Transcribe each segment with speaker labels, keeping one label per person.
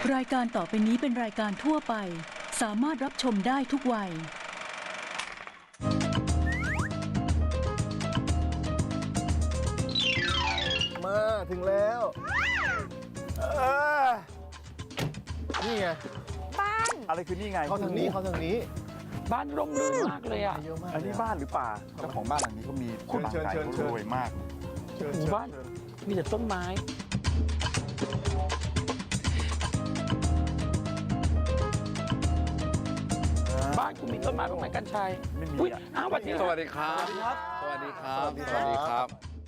Speaker 1: รายการต่อไปนี้เป็นรายการทั่วไปสามารถรับชมได้ทุกวัย
Speaker 2: มาถึงแล้วนี่ไง
Speaker 3: บ้าน
Speaker 4: อะไรคือนี่ไง
Speaker 2: เข้าทางนี้เข้าทางนี้
Speaker 3: บ้านร่มรื่นมากเลยอ่ะ
Speaker 2: เยอะมาก
Speaker 4: อันนี้บ้านหรือป่าเจ้าของบ้านหลังนี้เขามี
Speaker 2: เชิญ
Speaker 4: บ้าน
Speaker 2: เชิญ
Speaker 4: ไก่
Speaker 2: เชิญ
Speaker 4: รวยมาก
Speaker 2: เชิญ
Speaker 3: หมู่บ้าน มีแต่ต้นไม้ บ้านคุณมีต้นไม้บ้างไหมกัญชัย
Speaker 4: ไม่มี
Speaker 3: อุ๊ย
Speaker 4: อ่ะ
Speaker 3: อ้าวสวัสดี
Speaker 5: สวัสดีครับ สวัสดีครับ สวัสดีครับ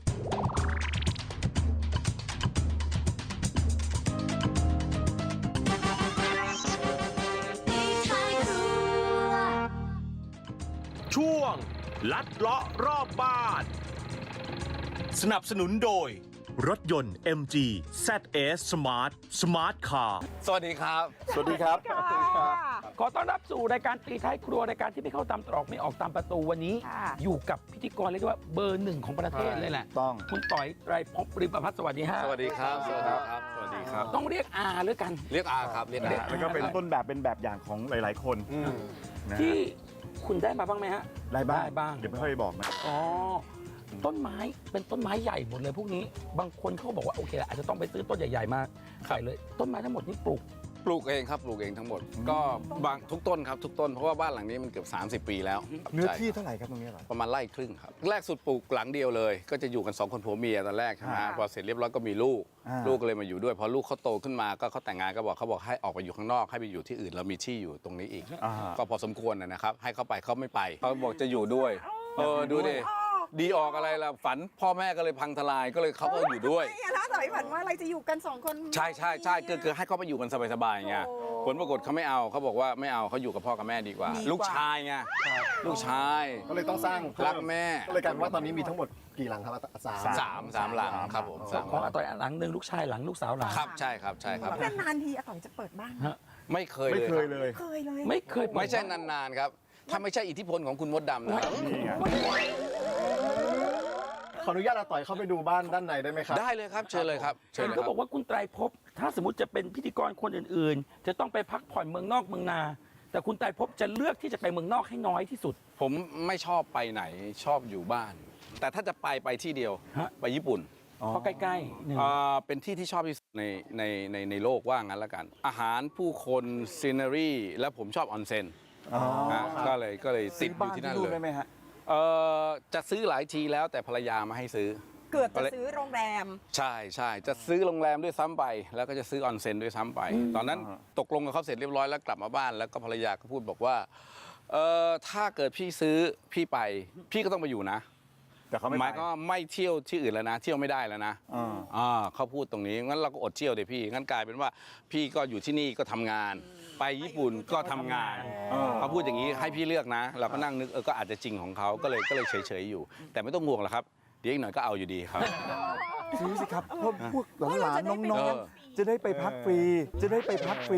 Speaker 6: ช่วงลัดเลาะรอบบ้าน สนับสนุนโดย รถยนต์ MG ZS Smart Smart Car
Speaker 5: สวัสดีครับ
Speaker 4: สวัสดีครับ
Speaker 3: ขอต้อนรับสู่รายการตีท้ายครัวรายการที่ไม่เข้าตามตรอกไม่ออกตามประตูวันนี้ อยู่กับพิธีกรเรียกได้ว่าเบอร์หนึ่งของประเทศเลยแหละ
Speaker 4: ต้อง
Speaker 3: คุณต่อยไตรภพริมประพัฒน์สวัสดีฮะ
Speaker 5: สวัสดีครับ สวัสดีครับ สวัสดีครับ
Speaker 3: ต้องเรียกอาหรือกัน
Speaker 5: เรียกอาครับ เรียกอา
Speaker 4: แล้วก็เป็นต้นแบบเป็นแบบอย่างของหลาย ๆ คนนะฮะ
Speaker 3: ที่คุณได้มาบ้างไหมฮะ
Speaker 4: ได้บ้าง
Speaker 3: ได้บ้าง
Speaker 4: เดี๋ยวไม่ค่อยบอกนะ
Speaker 3: อ๋อ ต้นไม้เป็นต้นไม้ใหญ่หมดเลยพวกนี้ บางคนเขาบอกว่าโอเคอาจจะต้องไปซื้อต้นใหญ่ๆมาใส่เลย ต้นไม้ทั้งหมดนี่ปลูก
Speaker 5: ปลูกเองครับ ปลูกเองทั้งหมด ก็บางทุกต้นครับ ทุกต้น เพราะว่าบ้านหลังนี้มันเกือบ30 ปีแล้ว
Speaker 4: เนื้อ
Speaker 5: ใช่
Speaker 4: ที่เท่าไหร่ครับตรงนี้เหรอ
Speaker 5: ประมาณไร่ครึ่งครับ แรกสุดปลูกหลังเดียวเลย ก็จะอยู่กัน2คนผัวเมียตอนแรกใช่ไหมพอเสร็จเรียบร้อยก็มีลูก ลูกก็เลยมาอยู่ด้วย พอลูกเขาโตขึ้นมาก็เขาแต่งงานก็บอกเขาบอกให้ออกไปอยู่ข้างนอกให้ไปอยู่ที่อื่นเรามีที่อยู่ตรงนี้อีก
Speaker 4: อ่า
Speaker 5: ก็พอสมควรนะครับ ให้เขาไปเขาไม่ไปเขาบอกจะอยู่ด้วย ดูดิดีออกอะไรล่ะฝันพ่อแม่ก็เลยพังทลายก็เลยเขาก็อยู่ด้วย
Speaker 7: ไม่อะถ้าต่อยฝันว่าอะไรจะอยู่กันสองคน
Speaker 5: ใช่คือให้เขาไปอยู่กันสบายๆไงผลปรากฏเขาไม่เอาเขาบอกว่าไม่เอาเขาอยู่กับพ่อกับแม่ดีกว่า ลูกชายไงลูกชาย
Speaker 2: ก็เลยต้องสร้างเพิ่ม
Speaker 5: รักแม่
Speaker 2: ก็เลยกลายเป็นว่าตอนนี้มีทั้งหมดกี่หลังครับ
Speaker 5: สามหลังครับผมสาม
Speaker 3: ของอาต่อยหลังหนึ่งลูกชายหลังลูกสาวหลัง
Speaker 5: ครับใช่ครับใช่ครับ
Speaker 7: นานๆทีอาต่อยจะเปิดบ้าน
Speaker 5: ไม่เคย
Speaker 4: ไม่
Speaker 5: เลย
Speaker 4: เคย
Speaker 5: ครับ
Speaker 4: เลย
Speaker 7: เคยเลย
Speaker 3: ไม่เคย
Speaker 5: ไม่ใช่นานๆครับถ้าไม่ใช่อิทธิพลของคุณมดดำนะครับ
Speaker 4: นี่ไง
Speaker 2: ขออนุญาตอาต่อยเข้าไปดูบ้านด้านในได้ไหมครับ
Speaker 5: ได้เลยครับเชิญเลยครับเชิญ
Speaker 3: เห็น
Speaker 5: เลยค
Speaker 3: เขา
Speaker 5: รับ
Speaker 3: บอกว่าคุณไตรภพถ้าสมมติจะเป็นพิธีกรคนอื่นๆ จะต้องไปพักผ่อนเมืองนอกเมืองนา แต่คุณไตรภพจะเลือกที่จะไปเมืองนอกให้น้อยที่สุด
Speaker 5: ผมไม่ชอบไปไหนชอบอยู่บ้าน แต่ถ้าจะไปที่เดียว
Speaker 3: ฮะ
Speaker 5: ไปญี่ปุ่น
Speaker 3: เพราะใกล้ๆหนึ่ง
Speaker 5: เป็นที่ที่ชอบที่สุดในโลกว่างั้นละกัน อาหารผู้คนซีนารีและผมชอบออนเซ็น
Speaker 4: อ๋อ
Speaker 5: ก็เลยติดอยู่ที่นั่น
Speaker 4: ซื้
Speaker 5: เล
Speaker 4: ได้
Speaker 5: ย
Speaker 4: ไหมฮะ
Speaker 5: จะซื้อหลายทีแล้วแต่ภรรยามาให้ซื้อ
Speaker 7: เกือบจะซื้อโรงแรม
Speaker 5: ใช่จะซื้อโรงแรมด้วยซ้ำไปแล้วก็จะซื้อออนเซ็นด้วยซ้ำไป ตอนนั้นตกลงกับเขาเสร็จเรียบร้อยแล้วกลับมาบ้านแล้วก็ภรรยาก็พูดบอกว่าถ้าเกิดพี่ซื้อพี่ไปพี่ก็ต้องไปอยู่นะ
Speaker 4: แต่เขาไม่
Speaker 5: หมาย
Speaker 4: ไป
Speaker 5: ก็ไม่เที่ยวที่อื่นแล้วนะ เที่ยวไม่ได้แล้วนะ เขาพูดตรงนี้งั้นเราก็อดเที่ยวเดี๋ยวพี่งั้นกลายเป็นว่าพี่ก็อยู่ที่นี่ก็ทำงาน ไปญี่ปุ่นก็ทำงานเขาพูดอย่างนี้ให้พี่เลือกนะ เราก็นั่งนึกก็อาจจะจริงของเขาก็เลยเฉยๆอยู่ แต่ไม่ต้องห่วงหรอกครับเดี๋ยวอีกหน่อยก็เอาอยู่ดีครับ
Speaker 4: ซื้อสิครับเพราะพวกหลานๆน้อง
Speaker 5: เออ
Speaker 4: ๆ จะได้ไปพักฟรี จะได้ไปพักฟรี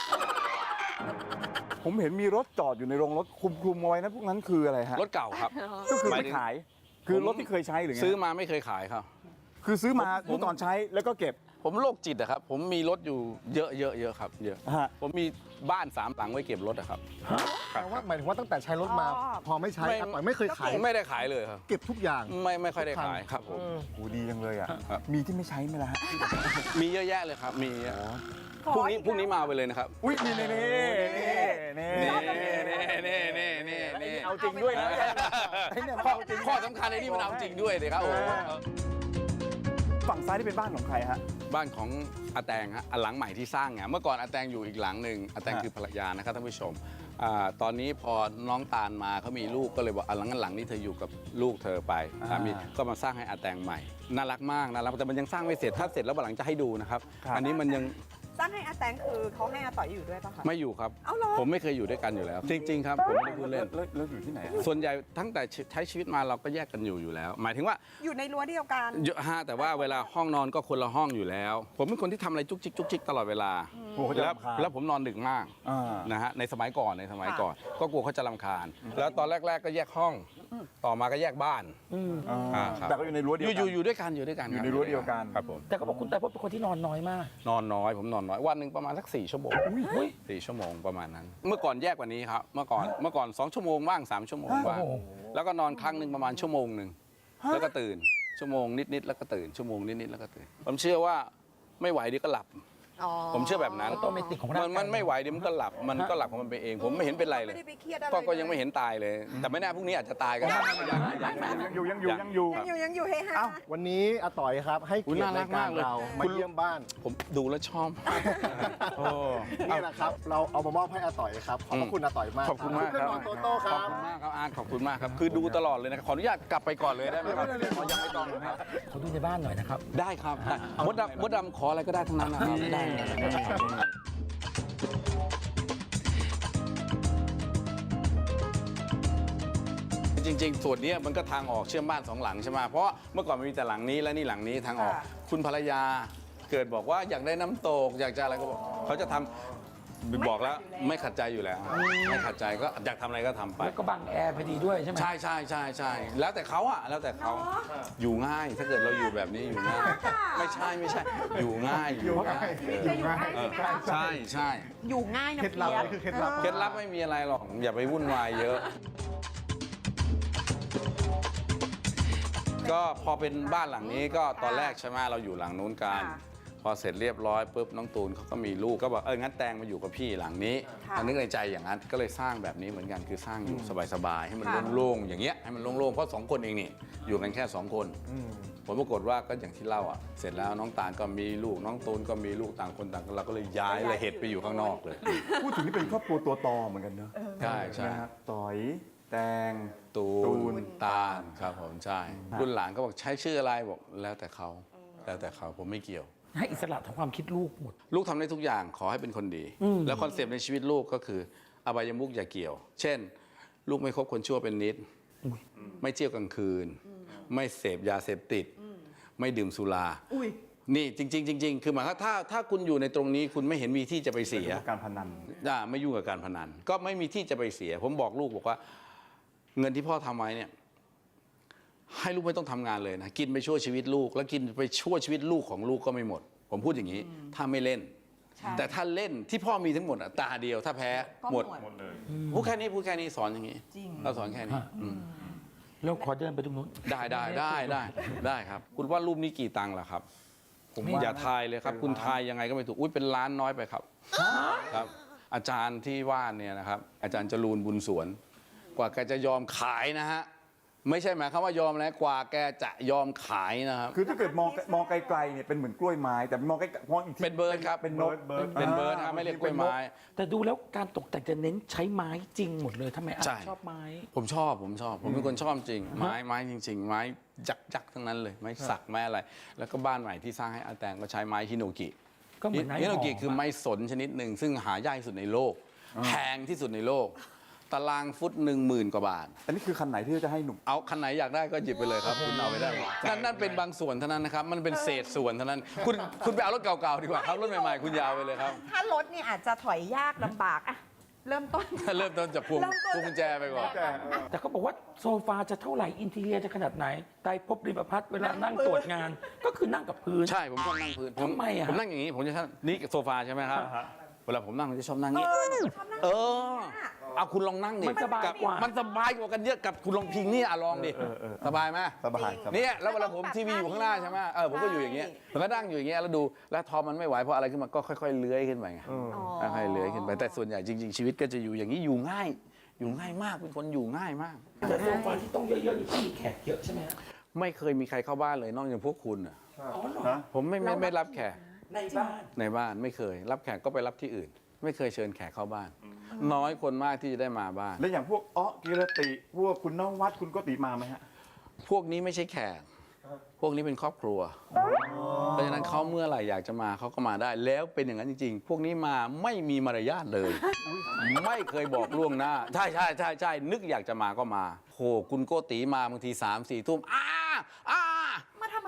Speaker 4: ผมเห็นมีรถจอดอยู่ในโรงรถคลุมๆเอาไว้นะพวกนั้นคืออะไรฮะ
Speaker 5: รถเก่าครับ
Speaker 4: ก็คือ
Speaker 5: หมาย
Speaker 4: ไม่
Speaker 5: ถึง
Speaker 4: ขาย คือรถที่เคยใช้หรือไง
Speaker 5: ซื้อมาไม่เคยขายครับ
Speaker 4: คือซื้อมาเมื่อก่อนใช้แล้วก็เก็บ
Speaker 5: ผมโรคจิตอะครับผมมีรถอยู่เยอะครับเยอะ
Speaker 4: ฮะ
Speaker 5: ผมมีบ้าน3 หลังไว้เก็บรถอะครับ
Speaker 2: แปลว่าหมายถึงว่าตั้งแต่ใช้รถมา
Speaker 7: อ๋อ
Speaker 2: พอไม่ใช้อาต่อยไม่เคยขาย
Speaker 5: ไม่ได้ขายเลยครับ
Speaker 2: เก็บทุกอย่าง
Speaker 5: ไม่ค่อยได้ขายครับผม
Speaker 4: โหดีจังเลยอ่ะ
Speaker 5: ครับ
Speaker 4: มีที่ไม่ใช้ไหมล่ะฮะ
Speaker 5: มีเยอะแยะเลยครับมีเยอะพรุ่งนี้มาไปเลยนะครับ
Speaker 4: อุ้ยนี่นี่นี่นี่เอาจริงด้วยนะไอ้เนี่ยมันเอาจริง
Speaker 5: ข้อสำคัญไอ้นี่มันเอาจริงด้วยเลยครับโอ้โห
Speaker 4: ฝั่งซ้ายที่เป็นบ้านของใครฮะ
Speaker 5: บ้านของอาแตงฮะอันหลังใหม่ที่สร้างไงเมื่อก่อนอาแตงอยู่อีกหลังหนึ่งอาแตง
Speaker 4: ฮะ
Speaker 5: คือภรรยานะครับท่านผู้ชมตอนนี้พอน้องตาลมาเขามีลูกก็เลยบอกหลังนี้เธออยู่กับลูกเธอไปสามีก็มาสร้างให้อาแตงใหม่น่ารักมากน่ารักแต่มันยังสร้างไม่เสร็จถ้าเสร็จแล้ววันหลังจะให้ดูนะครับอันนี้มันยัง
Speaker 7: สร้างให้อาแตงคือเขาให้อาต่อยอยู่ด้วยป่ะคะ
Speaker 5: ไม่อยู่ครับ
Speaker 7: เอาเหรอ
Speaker 5: ผมไม่เคยอยู่ด้วยกันอยู่แล้ว จริง ๆ ครับผมไม่ได้พูดเล่น
Speaker 4: แล้วอยู่ที่ไหนอะ
Speaker 5: ส่วนใหญ่ตั้งแต่ใช้ชีวิตมาเราก็แยกกันอยู่แล้ว หมายถึงว่า
Speaker 7: อยู่ในรั้วเดียวกัน
Speaker 5: เยอะฮะแต่ว่าเวลาห้องนอนก็คนละห้องอยู่แล้ว ผมเป็นคนที่ทำอะไรจุกจิกตลอดเวลา ผ
Speaker 4: กลัวเขาจะรำคาญ
Speaker 5: แล้วผมนอนดึกมาก
Speaker 4: อ่า
Speaker 5: นะฮะในสมัยก่อนก็กลัวเขาจะรำคาญ แล้วตอนแรก ๆ ก็แยกห้อง ต่อมาก็แยกบ้าน ครับ
Speaker 4: แต่ก็อยู่ในรั้วเดียวกัน
Speaker 5: อยู่ด้วยกันค
Speaker 4: อยู่
Speaker 5: รับ
Speaker 4: ในรั้วเดียวกัน
Speaker 5: ครับผม
Speaker 3: แต่เขาบอกคุณไตรภพเป็นคนที่นอนน้อยมาก
Speaker 5: นอนน้อยผมนอนน้อยวันหนึ่งประมาณสัก4 ชั่วโมง4 ชั่วโมงประมาณนั้น เมื่อก่อนแยกกว่านี้ครับเมื่อก่อน2 ชั่วโมงบ้าง3 ชั่วโมงบ้าง
Speaker 3: โอ้โห
Speaker 5: แล้วก็นอนครั้งหนึ่งประมาณชั่วโมงหนึ่งแล้วก็ตื่นชั่วโมงนิดๆแล้วก็ตื่นชั่วโมงนิดๆแล้วก็ตื่นผมเชื่อว่าไม่ไหวเดี๋ยวก็หลับ ผมเชื่อแบบนั้น
Speaker 3: ออโตเมติกของร่างกาย
Speaker 5: มันไม่ไหวเดี๋ยวมันก็หลับมันก็หลับของมันไปเองผมไม่เห็นเป็นไรเลย
Speaker 7: ไม่ได้ไปเครียดอะไร
Speaker 5: ก็ยังไม่เห็นตายเลย แต่ไม่แน่พรุ่งนี้อาจจะตายก็ได้
Speaker 4: ยังอยู่เฮฮา
Speaker 2: วันนี้อาต่อยครับให้
Speaker 5: อุ๊
Speaker 2: เกี
Speaker 5: ย
Speaker 2: ยรติ
Speaker 5: น่ารั
Speaker 2: ราก ย
Speaker 5: มา
Speaker 2: การ
Speaker 5: กเลย
Speaker 2: เรามาเยี่ยมบ้าน
Speaker 5: ผมดูแล้วชอบ
Speaker 2: นี่แหละครับเราเอามามอบให้อาต่อยครับขอบพระคุณอาต่อยมาก
Speaker 5: ขอบคุณมาก
Speaker 2: เครื่
Speaker 5: ค
Speaker 2: อ
Speaker 5: รั
Speaker 2: ง
Speaker 5: บ
Speaker 2: นอนโตโต้ค
Speaker 5: ข
Speaker 2: รั
Speaker 5: อบบ คุณมากครับอาร์ตขอบคุณมากครับคือดูตลอดเลยนะครับขออนุญาตกลับไปก่อนเลยได้ไหมครับอ๋อยังไม่ต้องนะครับ
Speaker 3: ขอดูในบ้านหน่อยนะครับ
Speaker 5: ได้ครับได้มดดำขออะไรก็ได้ทั้งนั้นนะครับได้จริงๆส่วนนี้มันก็ทางออกเชื่อมบ้าน2 หลังใช่ไหมเพราะเมื่อก่อนมันมีแต่หลังนี้และนี่หลังนี้ทางออก คุณภรรยาเกิดบอกว่าอยากได้น้ำตกอยากจะอะไรก็บอกเขาจะทำบอกแล้วไม่ขัดใจอยู่แล้ว ไม่ขัดใจก็อยากทำอะไรก็ทำไป
Speaker 3: แล้วก็บังแอร์พอดีด้วยใช่ไหม
Speaker 5: ใช่แล้วแต่เขาอะแล้วแต่เขาอยู่ง่ายถ้าเกิดเราอยู่แบบนี้อยู่ง่ายไม่ใช่อยู่ง่ายใช่
Speaker 7: อยู่ง่ายนะ
Speaker 2: เคล็ดลับ
Speaker 7: เพีย
Speaker 2: นี่คือเคล็ดลับ
Speaker 5: เคล็ดลับไม่มีอะไรหรอกอย่าไปวุ่นวายเยอะ ก็พอเป็นบ้านหลังนี้ก็ตอนแรกใช่ไหมเราอยู่หลังนู้นกันพอเสร็จเรียบร้อยปุ๊บน้องตูนเขาก็มีลูกก็บอกงั้นแตงมาอยู่กับพี่หลังนี้นึกในใจอย่างนั้นก็เลยสร้างแบบนี้เหมือนกันคือสร้างอยู่สบายๆให้มันโล่งๆอย่างเงี้ยให้มันโล่งๆเพราะ2 คนเองนี่อยู่กันแค่2 คนผลปรากฏว่าก็อย่างที่เล่าอ่ะเสร็จแล้วน้องตาลก็มีลูกน้องตูนก็มีลูกต่างคนต่างเราก็เลยย้ายระเหตุไปอยู่ข้างนอกเลย
Speaker 4: พูดถึงนี่เป็นครอบครัวตัวตอเหมือนกันเนอะ
Speaker 5: ใช่ใช่
Speaker 4: นะฮะต่อยแตง
Speaker 5: ตู
Speaker 4: ตูน
Speaker 5: นตาลครับผมใช่รุ่นหลานก็บอกใช้ชื่ออะไรบอกแล้วแต่เขาผมไม่เกี่ยว
Speaker 3: ให้อิสระทางความคิดลูกหมด
Speaker 5: ลูกทำได้ทุกอย่างขอให้เป็นคนดี แล้วคอนเซปต์ในชีวิตลูกก็คืออบายมุขอย่าเกี่ยว เช่น ลูกไม่คบคนชั่วเป็นนิด ไม่เที่ยวกลางคืน ไม่เสพยาเสพติด ไม่ดื่มสุรานี่จริงๆคือหมายความถ้าคุณอยู่ในตรงนี้คุณไม่เห็นมีที่จะไปเสีย
Speaker 4: การพนัน
Speaker 5: ไม่ยุ่งกับการพนันก็ไม่มีที่จะไปเสีย ผมบอกลูกบอกว่า เงินที่พ่อทำไว้เนี่ยให้ลูกไม่ต้องทำงานเลยนะกินไปชั่วชีวิตลูกแล้วกินไปชั่วชีวิตลูกของลูกก็ไม่หมด ผมพูดอย่างนี้ถ้าไม่เล่น แต่ถ้าเล่นที่พ่อมีทั้งหมมดตาเดียวถ้าแพ้หมดพูดแค่นี้สอนอย่างนี้เราสอนแค่นี้
Speaker 3: แล้วขอเดินไปตรงนู้น
Speaker 5: ได้ครับ คุณว่ารูปนี้กี่ตังค์ล่ะครับผมอย่าทายเลยครับ คุณทายยังไงก็ไม่ถูกอุ้ยเป็นล้านน้อยไปครับครับ อาจารย์ที่ว่าเนี่ยนะครับอาจารย์จรูนบุญสวน กว่าแกจะยอมขายนะฮะไม่ใช่หมายความว่ายอมแล้วกว่าแกจะยอมขายนะครับ
Speaker 4: คือถ้าเกิดมองไกลๆเนี่ยเป็นเหมือนกล้วยไม้แต่มองอีกที
Speaker 5: เป็นเบิร์ดครับ
Speaker 4: เป็นนก
Speaker 5: เป็นเบิร์ดครับไม่เรียกกล้วยไม้
Speaker 3: แต่ดูแล้วการตกแต่งจะเน้นใช้ไม้จริงหมดเลยทำไมอา
Speaker 5: ใช่
Speaker 3: ชอบไม้
Speaker 5: ผมชอบผมเป็นคนชอบจริงไม้จริง ๆ ไม้ยักษ์ทั้งนั้นเลยไม้สักไม้อะไร แล้วก็บ้านใหม่ที่สร้างให้อาแตงก็ใช้ไม้ฮิโนกิ
Speaker 3: ก็เหมือนไม้
Speaker 5: ฮิโนกิ
Speaker 3: หอม
Speaker 5: คือไม้สนชนิดหนึ่งซึ่งหายากที่สุดในโลกแพงที่สุดในโลก ตารางฟุต10,000 กว่าบาท
Speaker 4: อันนี้คือคันไหนที่จะให้หนุ่ม
Speaker 5: เอาคันไหนอยากได้ก็หยิบไปเลยครับ คุณเอาไปได้นั่นเป็นบางส่วนเท่านั้นนะครับมันเป็นเศษส่วนเท่านั้น คุณไปเอารถเก่าๆดีกว่าครับรถใหม่ๆคุณยาวไปเลยครับ
Speaker 7: ถ้ารถเนี่ยอาจจะถอยยากลำบากอะเริ่มต้น
Speaker 5: เริ่มต้นจากพวงกุญแจไปก่อน
Speaker 3: แต่เขาบอกว่าโซฟาจะเท่าไหร่อินทีเรียจะขนาดไหนไตรภพริมพัฒน์เวลานั่งตรวจงาน ก็คือนั่งกับพื้น
Speaker 5: ใช่ผมชอบนั่งพื้น
Speaker 3: ทำไมอะ
Speaker 5: ผมนั่งอย่างนี้ผมจะชอบนี่โซฟาใช่ไหมครับเวลาผมนั่งผมจะชอบนั่งนี้เอาคุณลองนั่งดิ
Speaker 3: มันสบายกว่า
Speaker 5: มันสบายกว่ากันเยอะกับคุณลองพิงนี่ลองดิสบายไหม
Speaker 4: สบาย
Speaker 5: เนี่ยแล้วเวลาผมทีวีอยู่ข้างหน้าใช่ไหมผมก็อยู่อย่างเงี้ยผมก็นั่งอยู่อย่างเงี้ยแล้วดูแล้วทอมันไม่ไหวเพราะอะไรขึ้นมาก็ค่อยๆเลื้อยขึ้นไปไงค่อยๆเลื้อยขึ้นไปแต่ส่วนใหญ่จริงๆชีวิตก็จะอยู่อย่างนี้อยู่ง่ายมากเป็นคนอยู่ง่ายมาก
Speaker 3: แต่โซฟาที่ต้องเยอะๆนี่ต้องมีแขกเยอะใช่ไหมฮะ
Speaker 5: ไม่เคยมีใครเข้าบ้านเลยนอกจากพวกคุณน่ะ
Speaker 3: อ๋อเหรอ
Speaker 4: ฮะ
Speaker 5: ผมไม่รับแขก
Speaker 3: ในบ้าน
Speaker 5: ในบ้านไม่เคย รับแขกก็ไปรับที่อื่น ไม่เคยเชิญแขกเข้าบ้าน น้อยคนมากที่จะได้มาบ้าน
Speaker 4: แล้วอย่างพวกกิรติพวกคุณนวัดคุณโกติมาไหมฮะ
Speaker 5: พวกนี้ไม่ใช่แขก พวกนี้เป็นครอบครัว เพราะฉะนั้นเขาเมื่อไหร่อยากจะมาเขาก็มาได้ แล้วเป็นอย่างนั้นจริงๆ พวกนี้มาไม่มีมารยาทเลย ไม่เคยบอกล่วงหน้า ใช่นึกอยากจะมาก็มาโหคุณโกติมาบางที3-4 ทุ่มมาทำไม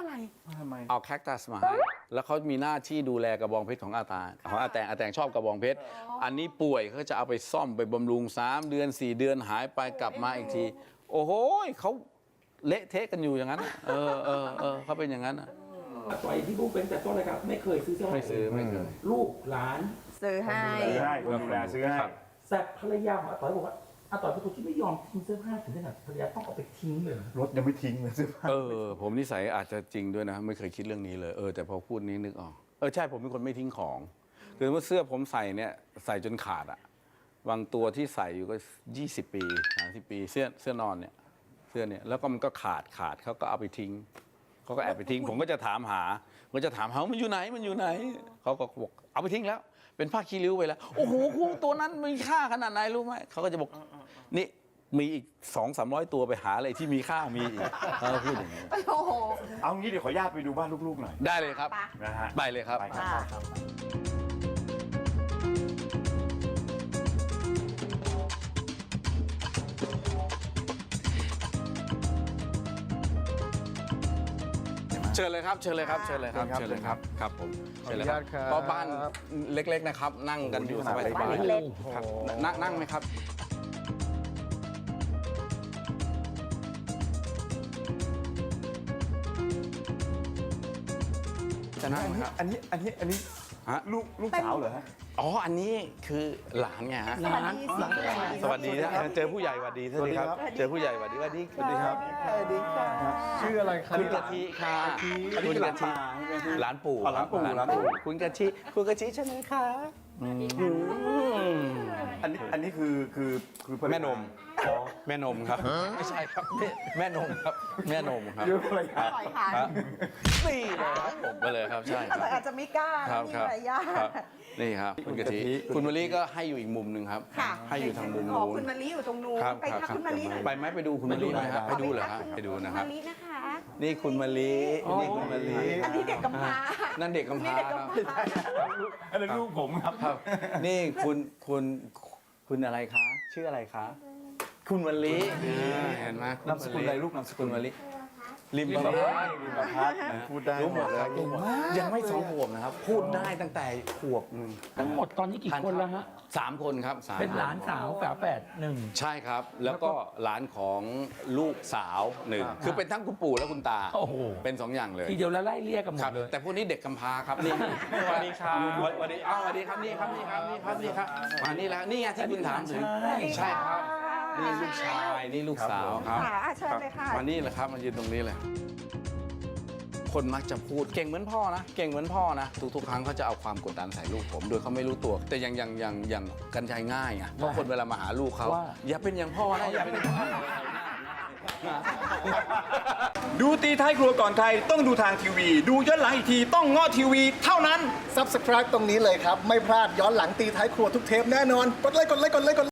Speaker 7: อะไร
Speaker 5: เอาแคคตัสมาให้แล้วเขามีหน้าที่ดูแลกระบองเพชรของอาแตงชอบกระบองเพชรอันนี้ป่วยเขาจะเอาไปซ่อมไปบำรุง3 เดือน 4 เดือนหายไปกลับมาอีกที โอ้โหเขาเละเทะกันอยู่อย่างนั้นเขาเป็นอย่างนั้น
Speaker 3: อาต่อยที่พูดเป็นแต่ต้นเลยครับไม่เคยซื้อเสื้อผ้า
Speaker 5: ไม่ซื้อ
Speaker 3: ลูกหลาน
Speaker 7: ซื้อให้
Speaker 4: ซื้อให้คนดูแลซื้อให้
Speaker 3: แต่ภรรยาของอาต่อยบอกว่าอาต่อยเป็นคนที่ไม่ยอมทิ้งเสื้อผ้าถึงขนาดภรรยาต้องเอาไปทิ้งเลย
Speaker 4: รถยังไม่ทิ้งเลยซื้อผ้า
Speaker 5: ผมนิสัยอาจจะจริงด้วยนะไม่เคยคิดเรื่องนี้เลยแต่พอพูดนี้นึกออกใช่ผมเป็นคนไม่ทิ้งของคือว่าเสื้อผมใส่เนี่ยใส่จนขาดอ่ะบางตัวที่ใส่อยู่ก็20 ปี30 ปีเสื้อนอนเนี่ยเสื้อเนี่ยแล้วก็มันก็ขาดเขาก็เอาไปทิ้งเขาก็แอบไปทิ้งผมก็จะถามหามันอยู่ไหนเขาก็บอกเอาไปทิ้งแล้วเป็นผ้าคีริ้วไปแล้วโอ้โหตัวนั้นมีค่าขนาดไหนรู้ไหมเขาก็จะบอกนี่มีอีก200-300 ตัวไปหาอะไรที่มีค่ามีอีกเขาพูดอย่างนี้
Speaker 7: โอ้โห
Speaker 4: เอางี้เดี๋ยวขออนุญาตไปดูบ้านลูกๆหน่อย
Speaker 5: ได้เลยครับ
Speaker 4: นะฮะ
Speaker 5: ไปเลยครับ
Speaker 4: ไปครับ
Speaker 5: เชิญเลยครับครับผมเชิญเลยครับเพราะบ้านเล็กๆนะครับนั่งกันอยู่สบาย
Speaker 7: บ้าน
Speaker 5: ๆ
Speaker 7: เล็ก
Speaker 5: ครับนั่งไหมครับจะนั่งไหมครับ
Speaker 4: อันนี้
Speaker 5: ฮะ
Speaker 4: ลูกสาวเหรอฮะ
Speaker 5: อันนี้คือหลานไงฮะ
Speaker 7: สวัสดีสิ
Speaker 5: สวัสดีนะเจอผู้ใหญ่สวัสดีสวัสดีครับ เจอผู้ใหญ่สวัสดีสวัสดีครับ
Speaker 4: ชื่ออะไรครับ
Speaker 5: คุณกะทิค่ะคุณกะทิหลานปู่
Speaker 4: หลานปู่
Speaker 5: ครับคุณกะทิใช่ไหมคะ
Speaker 4: อันนี้คือ
Speaker 5: แม่นมครับไม่ใช่ครับแม่นมครับแม่นมครับ
Speaker 4: เยอะเลย
Speaker 7: ปล่อยผ่าน
Speaker 5: นี่เลยครับผมไปเลยครับใช่
Speaker 7: แต่อาจจะไม่กล้า
Speaker 5: ครั
Speaker 7: นะ
Speaker 5: บ
Speaker 7: มี
Speaker 5: ครับ
Speaker 7: มารยาท
Speaker 5: ครับนี่ครับคุณกะทิคุณมะลิก็ให้อยู่อีกมุมหนึ่งครับ
Speaker 7: ค่ะ
Speaker 5: ให้อยู่ทางมุม
Speaker 7: อ๋อ
Speaker 5: นู้น
Speaker 7: คุณมะลิอยู่ตรงนู้น
Speaker 5: ครับ
Speaker 7: ไป
Speaker 5: ครับ
Speaker 7: ทัก
Speaker 5: ครับ
Speaker 7: คุณมะลิหน่อย
Speaker 5: ไปไหมไปดูคุณมะลิไหมครับไปดูเหรอครับไปดูนะครับ
Speaker 7: ณมะลินะคะ
Speaker 5: นี่คุณมะลินี่คุณมะลิ
Speaker 7: อันนี้เด็กกำพร้า
Speaker 5: นั่นเด็กกำพร้า
Speaker 7: นี่เด็ก
Speaker 5: ครับ
Speaker 7: กำพร้า
Speaker 4: อันนั้นลูกผมครับ
Speaker 5: ครับนี่คุณอะไรคะ ชื่ออะไรคะ คุณมะลิเห็นไหม
Speaker 4: นามสกุลอะไรลูกนามสกุ
Speaker 5: คุ
Speaker 4: ล
Speaker 5: ณมะลิริมประพัด
Speaker 4: พูดได้
Speaker 5: รู้หมดเลยครับยังไม่2 ขวบนะครับ พูดได้ตั้งแต่ขวบหนึ่ง
Speaker 3: ทั้งหมดตอนนี้กี่คนแล้วฮะ
Speaker 5: 3 คนครับ3
Speaker 3: เป็นหลานสาวฝาแฝดหนึ่ง
Speaker 5: ใช่ครับ แล้วก็หลานของลูกสาว1คือเป็นทั้งคุณปู่และคุณตา
Speaker 3: โอ้โห
Speaker 5: เป็น2 อย่างเลย
Speaker 3: ทีเดียวแล้วไล่เรียกกันหม
Speaker 5: ครั
Speaker 3: ด
Speaker 5: บ
Speaker 3: เลย
Speaker 5: แต่พวกนี้เด็กกำพร้าครับนี่สวัสดีครับสวัสดีสวัสดีครับนี่ครับมานี่แล้วนี่ไงที่คุณถามถึงใช่ครับนี่ลูกชายนี่ลูกสาวครับ
Speaker 7: ค่ะเชิญเลยค่ะ
Speaker 5: มานี่แหละครับมายืนตรงนี้เลยคนมักจะพูดเก่งเหมือนพ่อนะเก่งเหมือนพ่อนะทุกๆครั้งเขาจะเอาความกดดันใส่ลูกผมโดยเขาไม่รู้ตัว แต่อย่างกันใจง่ายไงเพราะคนเวลามาหาลูกเขาอย่าเป็นอย่างพ่อนะอย่าเป็นอย่างพ่อ
Speaker 6: ดูตีท้ายครัวก่อนใครต้องดูทางทีวี ดูย้อนหลังอีกทีต้องง้อทีวีเท่านั้น
Speaker 2: Subscribe ตรงนี้เลยครับ ไม่พลาดย้อนหลังตีท้ายครัวทุกเทปแน่นอน กดไลค์